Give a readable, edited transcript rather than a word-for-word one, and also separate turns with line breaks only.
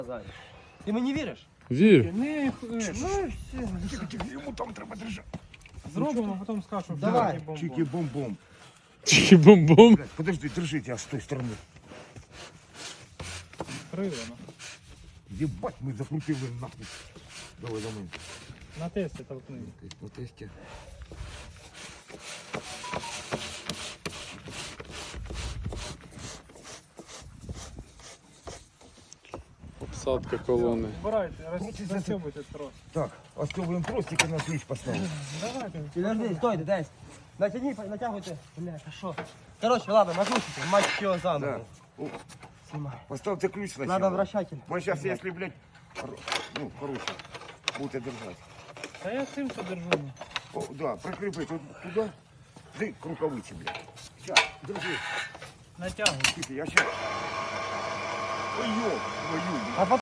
Ти мені віриш?
Вір.
Не,
Ну і все.
Тихо, йому там треба держати.
зробимо, а потім скажу, що
Давай.
Чики бом-бом.
Тільки бум-бум.
Блядь, подожди, держите, а с той стороны.
Крилено.
Ебать, мы закрутили нахуй. Давай за мной.
На тесті толкни.
На тесте.
Обсадка колони.
Збирайте, розсьобуйте трос.
Так, остёвываем тростик и на ключ поставим.
Давайте.
Підожди, стойте, десь. Натягни, натягуйте. Блядь, а що? Короче, ладно, накручуйте. Мать що
Да.
заново.
О,
Снимай.
поставьте ключ сначала.
Надо вращатель.
Мы сейчас, если, блядь, ну, короче, будете держать.
Та я цим що держу.
О, да, прикрепи тут туда. Да к рукавице, блядь. Сейчас, держи.
Натягуй.
Тихо, я сейчас. Ой, ё, твою.
А